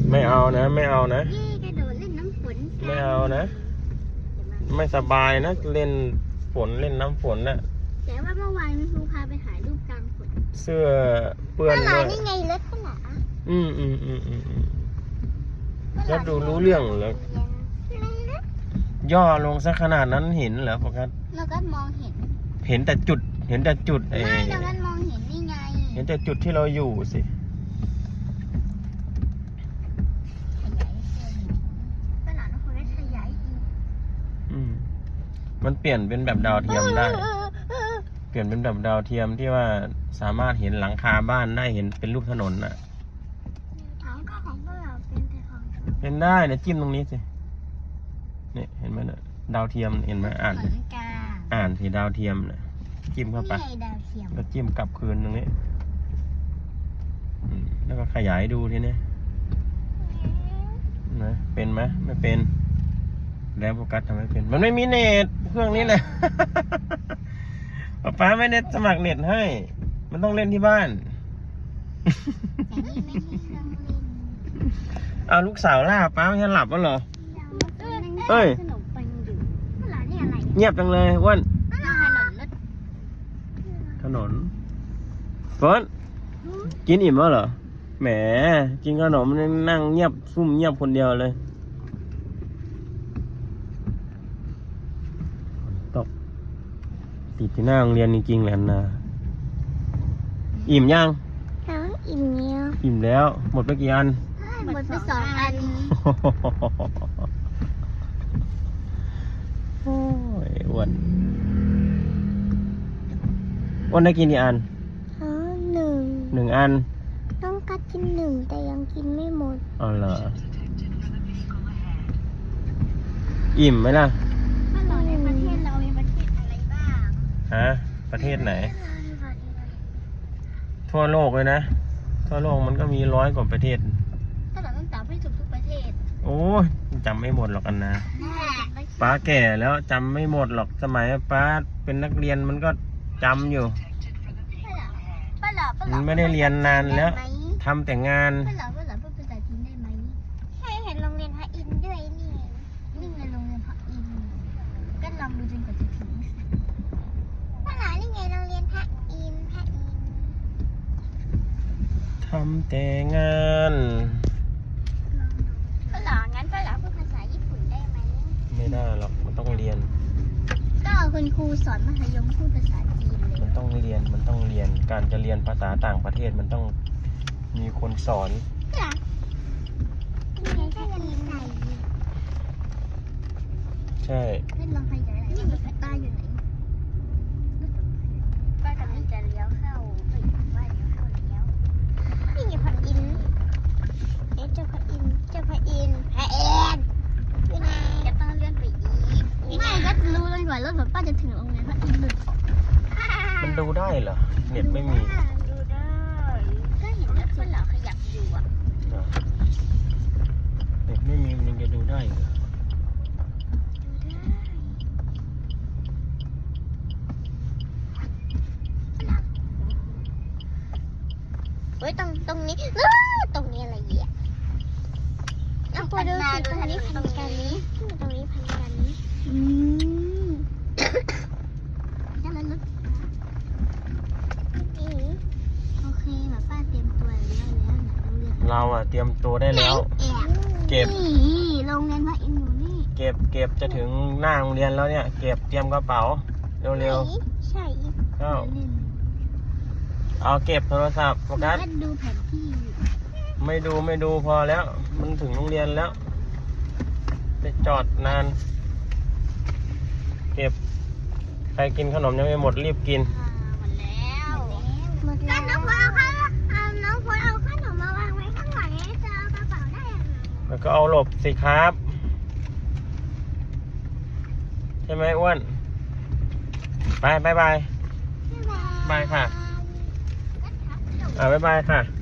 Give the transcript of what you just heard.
ไม่เอานะไม่เอานะเย่กระโดดเล่นน้ำฝนกันไม่เอานะ ไม่สบายนะเล่นฝนเล่นน้ำฝนน่ะแต่ว่าเมื่อวานคุณครูพาไปถ่ายรูปกลางฝนเสื้อเปื้อนป้าหลาด้วยนี่ไงรถป้าหลาอืมแล้วดูรู้เรื่องเหรอ ย่อลงซะขนาดนั้นเห็นเหรอโฟกัสเราก็มองเห็นเห็นแต่จุดเห็นแต่จุดไม่เราก็มองเห็นนี่ไงเห็นแต่จุดที่เราอยู่สิขยายป้าหลาต้องคนได้ขยายอีกมันเปลี่ยนเป็นแบบดาวเทียมได้ เปลี่ยนเป็นแบบดาวเทียมที่ว่าสามารถเห็นหลังคาบ้านได้เห็นเป็นรูปถนนน่ะเอาก็ของป้าหลาเป็นแต่ของเธอเป็นได้เนี่ยจิ้มตรงนี้สิเนี่ยเห็นไหมเนี่ยดาวเทียมเห็นไหมอ่านเหมือนกาอ่านที่ดาวเทียมน่ะจิ้มเข้าไปนี่ไงดาวเทียมแล้วจิ้มกลับคืนตรงนี้แล้วก็ขยายดูทีนี้นะเป็นไหมไม่เป็นแล้วโฟกัสทำไมเป็นมันไม่มีเน็ตเครื่องนี้แหละ ป๊าไม่ได้สมัครเน็ตให้ มันต้องเล่นที่บ้านแต่นี่ไม่ใช่เครื่องเล่นเอาลูกสาวล่าป้าไม่ใช่หลับแล้วเหรอ เอ้ยขนมปังอยู่ป้าหลานี่อะไรเงียบจังเลยอ้วนป้าหลาถนนรถถนนเฟิร์นกินอิ่มแล้วเหรอแหมกินขนมนั่งเงียบซุ่มเงียบคนเดียวเลยตกติดที่หน้าโรงเรียนจริงๆแหละนะอิ่มยังน้องอิ่มเนี้ยอิ่มแล้วหมดไปกี่อันหมดไป2 อันโอ้ยอ้วนได้กินกี่อัน 1 อันต้องกัดกิน1แต่ยังกินไม่หมดอ๋อเหรออิ่มไหมล่ะป้าหลาในประเทศเรามีประเทศอะไรบ้างฮะประเทศไหน ทั่วโลกเลยนะทั่วโลกมันก็มี100 กว่าประเทศป้าหลาต้องตอบให้ถูกทุกประเทศโอ้ยจำไม่หมดหรอกอันนะป้าแก่แล้วจำไม่หมดหรอกสมัยป้าเป็นนักเรียนมันก็จำอยู่ป้าหลามันไม่ได้เรียนนานแล้วทำแต่งานป้าหลาพูดภาษาจีนได้ไหมใช่เห็นโรงเรียนพระอินทร์ด้วยนี่นี่ไงโรงเรียนพระอินทร์ก็ลองดูจนกว่าจะถึงป้าหลานี่ไงโรงเรียนพระอินทร์ทำแต่งานป้าหลางั้นป้าหลาพูดภาษาญี่ปุ่นได้ไหมไม่ได้หรอกมันต้องเรียนก็คุณครูสอนมัธยมพูดภาษาจีนเลยมันต้องเรียนการจะเรียนภาษาต่างประเทศมันต้องมีคนสอนจ้ะนี่ไงถ้าจะมีไก่ใช่เล่นลองขยายหน่อยว่าป้าอยู่ไหนป้ากำลังจะเลี้ยวเข้าเฮ้ยว่าเลี้ยวเข้าแล้วนี่ไงพระอินทร์เอ๊ะเจ้าพระอินทร์อยู่ไหนจะต้องเลื่อนไปอีกไม่ก็รู้เลยว่ารถแบบป้าจะถึงโรงเรียนพระอินทร์หลุดมันดูได้เหรอเน็ตไม่มีดูได้ก็เห็นรถป้าหล่อขยับอยู่อ่ะเหรอเน็ตไม่มีมันยังจะดูได้เหรอเฮ้ยตรงนี้ตรงนี้อะไรเงี้ยเอาพอดูสิตรงนี้พันกันนี้ตรงนี้พันกันนี้แล้วมันลุกโอเคแบบป้าเตรียมตัวแล้วโรงเรียนเราอะเตรียมตัวได้แล้ว เก็บนี่โรงเรียนพระอินทร์อยู่นี่เก็บจะถึงหน้าโรงเรียนแล้วเนี่ยเก็บเตรียมกระเป๋าเร็วใช่ๆเข้าเอาเก็บโทรศัพท์โฟกัสดูแผนที่อยู่ไม่ดูพอแล้ว มันถึงโรงเรียนแล้วจะจอดนาน เก็บใครกินขนมยังไม่หมดรีบกินหมดแล้วน้องพลเอาขนมมาวางไว้ข้างหลังจะเอากระเป๋าได้ยังไงแล้วก็เอาหลบสิครับ ใช่ไหมอ้วนบายค่ะบ๊ายบายค่ะ